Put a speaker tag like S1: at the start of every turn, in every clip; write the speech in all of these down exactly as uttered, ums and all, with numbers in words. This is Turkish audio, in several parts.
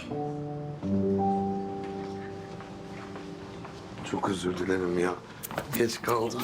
S1: Çok özür dilerim ya. Geç kaldım.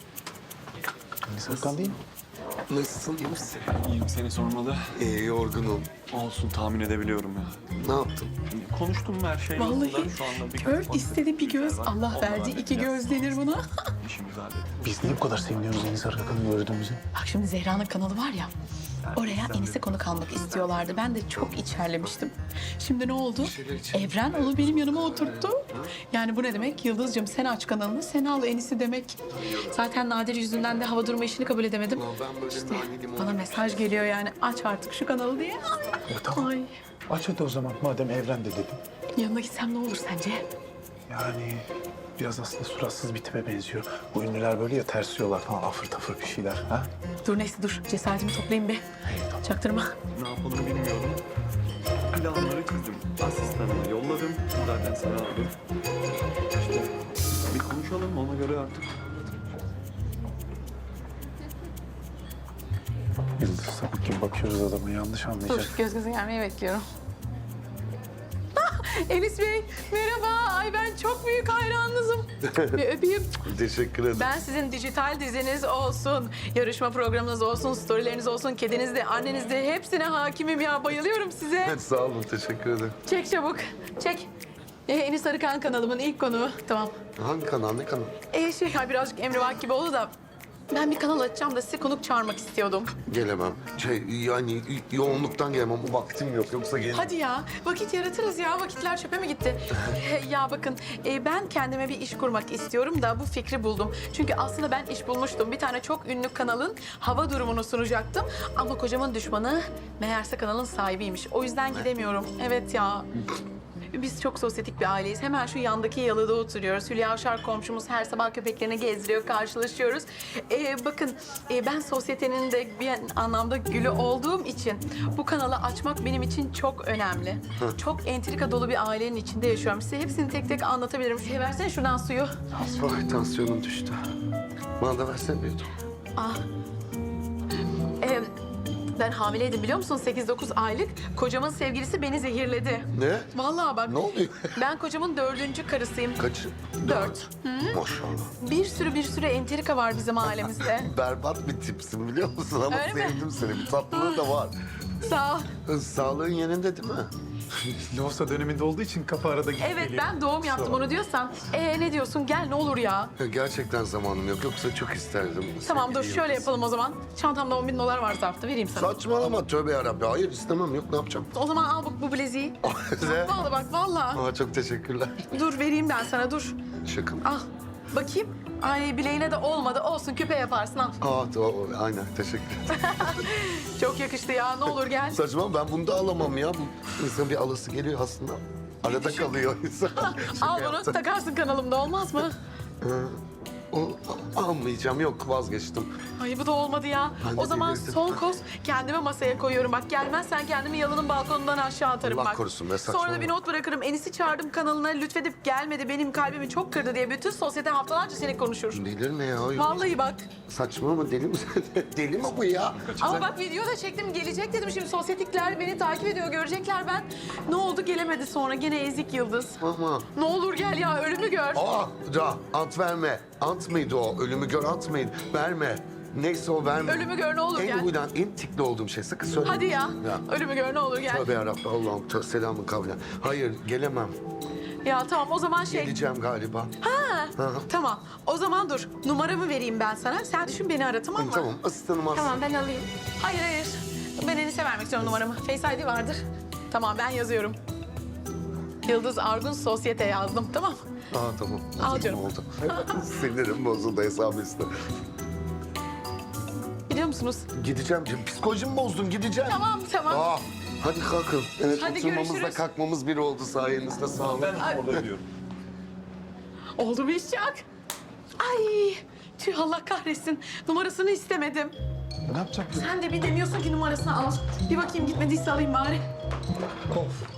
S2: Serkan değil mi?
S1: Nasılsın, iyi misin?
S3: İyiyim, seni sormalı.
S1: İyi, yorgunum.
S3: Olsun, tahmin edebiliyorum ya.
S1: Ne yaptın?
S3: Konuştum mu her şey
S4: Vallahi
S3: yolunda? Şu anda bir
S4: kör istedi bir göz, Allah
S3: Onları
S4: verdi iki göz denir buna.
S3: İşimizi hallettik.
S2: Biz niye bu kadar seviniyoruz Enis Arkakan'ı gördüğümüzde?
S4: Bak şimdi Zehra'nın kanalı var ya, oraya Enis'e konuk almak istiyorlardı. Ben de çok içerlemiştim. Şimdi ne oldu? Evren onu benim yanıma oturttu. Yani bu ne demek? Yıldız'cığım sen aç kanalını, sen al Enis'i demek. Zaten Nadir yüzünden de hava durma işini kabul edemedim.
S1: Ben böyle
S4: İşte
S1: nane limon...
S4: bana mesaj geliyor yani aç artık şu kanalı diye.
S2: E, tamam.
S4: Ay,
S2: Aç hadi o zaman madem Evren de dedim.
S4: yanına gitsem ne olur sence?
S2: Yani biraz aslında suratsız bir tipe benziyor. Bu ünlüler böyle ya tersiyorlar falan afır tafır bir şeyler. Ha?
S4: Dur neyse dur, cesaretimi toplayayım bir. Çaktırma.
S3: Ne yapalım bilmiyorum. Planları çizdim. Asistanıma yolladım. Zaten sana aldım. İşte bir konuşalım, ona göre artık.
S2: Yıldız sapık gibi bakıyoruz adama yanlış anlayacak.
S4: Dur, göz göze gelmeyi bekliyorum. Enis Bey, merhaba. Ay ben çok büyük hayranınızım. Bir öpeyim.
S1: Teşekkür ederim.
S4: Ben sizin dijital diziniz olsun, yarışma programınız olsun, storyleriniz olsun, kediniz de, anneniz de hepsine hakimim ya. Bayılıyorum size.
S1: Evet, sağ olun, teşekkür ederim.
S4: Çek çabuk, çek. Ee, Enis Arıkan kanalımın ilk konuğu. Tamam.
S1: Hangi kanal, ne kanal?
S4: Ee, şey, ya birazcık emrivaki gibi oldu da... Ben bir kanal açacağım da size konuk çağırmak istiyordum.
S1: Gelemem. Şey, yani yoğunluktan gelemem. Vaktim yok, yoksa gelirim.
S4: Hadi ya, vakit yaratırız ya. Vakitler çöpe mi gitti? Ya bakın, e, ben kendime bir iş kurmak istiyorum da bu fikri buldum. Çünkü aslında ben iş bulmuştum. Bir tane çok ünlü kanalın hava durumunu sunacaktım. Ama kocamın düşmanı meğerse kanalın sahibiymiş. O yüzden gidemiyorum. Evet ya. Biz çok sosyetik bir aileyiz. Hemen şu yandaki yalıda oturuyoruz. Hülya Avşar komşumuz her sabah köpeklerini gezdiriyor, karşılaşıyoruz. Ee, bakın e, ben sosyetenin de bir anlamda gülü olduğum için bu kanalı açmak benim için çok önemli. Çok entrika dolu bir ailenin içinde yaşıyorum. Size hepsini tek tek anlatabilirim. Şey, versene şuradan suyu.
S1: Ay, tansiyonum düştü. Bana da versene bir yudum.
S4: Ah. Ee, ben hamileydim biliyor musun? sekiz dokuz aylık. Kocamın sevgilisi beni zehirledi.
S1: Ne?
S4: Vallahi bak.
S1: Ne oluyor?
S4: Ben kocamın dördüncü karısıyım.
S1: Kaç?
S4: Dört.
S1: Maşallah.
S4: Bir sürü bir sürü entrika var bizim ailemizde.
S1: Berbat bir tipsin biliyor musun ama
S4: Öyle mi?
S1: sevdim seni. Bir tatlılığı da var.
S4: Sağ ol.
S1: Sağlığın yerinde değil mi?
S2: Loğusa döneminde olduğu için kafa arada gidip
S4: Evet
S2: geliyor.
S4: ben doğum yaptım onu diyorsan. Ee ne diyorsun gel ne olur ya.
S1: Ya gerçekten zamanım yok. Yoksa çok isterdim.
S4: Tamam dur
S1: sevgili
S4: şöyle
S1: Yıldız.
S4: yapalım o zaman. Çantamda on bin dolar var zarfta vereyim sana.
S1: Saçmalama, tövbe yarabbi. Hayır, istemem. Yok, ne yapacağım?
S4: O zaman al bak bu bileziği.
S1: Ne?
S4: Vallahi bak vallahi.
S1: Aa, çok teşekkürler.
S4: Dur vereyim ben sana dur.
S1: Şaka mı?
S4: Al bakayım. Ay bileğine de olmadı olsun küpe yaparsın al.
S1: Aa, tamam. Aynen, teşekkür ederim.
S4: Çok yakıştı ya ne olur gel.
S1: Saçmalama, ben bunu da alamam ya. Bu insan bir alası geliyor aslında. Arada kalıyor insan. Şaka
S4: Al bunu
S1: yaptım.
S4: takarsın kanalımda olmaz mı?
S1: O, almayacağım, yok, vazgeçtim.
S4: Ay bu da olmadı ya.
S1: Ben de
S4: O zaman
S1: delirdim.
S4: son koz kendime masaya koyuyorum. Bak gelmezsen kendimi yalının balkonundan aşağı atarım
S1: Allah
S4: bak.
S1: korusun be,
S4: Sonra da
S1: saçmalama.
S4: bir not bırakırım. Enis'i çağırdım kanalına lütfedip gelmedi. Benim kalbimi çok kırdı diye bütün sosyete haftalarca seni konuşur.
S1: Delir ne ya?
S4: Vallahi bak.
S1: Saçmalama, deli mi? Deli mi bu ya?
S4: Ama bak video da çektim. Gelecek dedim. Şimdi sosyetikler beni takip ediyor. Görecekler ben. Ne oldu gelemedi sonra. Gene ezik Yıldız.
S1: Ama.
S4: Ne olur gel ya ölümü gör.
S1: Aa, da ant verme. Ant mıydı o? Ölümü gör, ant mıydı? Verme. Neyse o verme.
S4: Ölümü gör ne olur
S1: en
S4: gel.
S1: huydan, en tikli olduğum şey. Sakın söyleme.
S4: Hadi ya.
S1: Ya.
S4: Ölümü gör ne olur gel.
S1: Tövbe yarabbim. Allah'ım tö- selamın kavle. Hayır, gelemem.
S4: Ya tamam o zaman şey.
S1: Geleceğim galiba.
S4: Ha,
S1: Hı hı.
S4: tamam. O zaman dur. Numaramı vereyim ben sana. Sen düşün beni ara tamam mı?
S1: Tamam, asistanım aslında.
S4: Tamam ben alayım. Hayır hayır. Ben Enis'e vermek istiyorum numaramı. Face I D vardır. Tamam ben yazıyorum. Yıldız Argun Sosyete yazdım tamam mı?
S1: Aa, tamam.
S4: Al canım.
S1: Oldu. Sinirim bozuldu hesabı üstüne.
S4: Biliyor musunuz?
S1: Gideceğim. Psikolojimi bozdun, gideceğim.
S4: Tamam tamam.
S1: Aa, hadi kalkın. Evet,
S4: Hadi
S1: oturmamızla
S4: görüşürüz.
S1: kalkmamız bir oldu sayenizde, sağ olun.
S3: Ben orada diyorum.
S4: Oldu mu iş Çak? Ay tüh Allah kahretsin. Numarasını istemedim.
S2: Ne yapacaksın?
S4: Sen de bir demiyorsun ki numarasını al. Bir bakayım gitmediyse alayım bari.
S2: Of.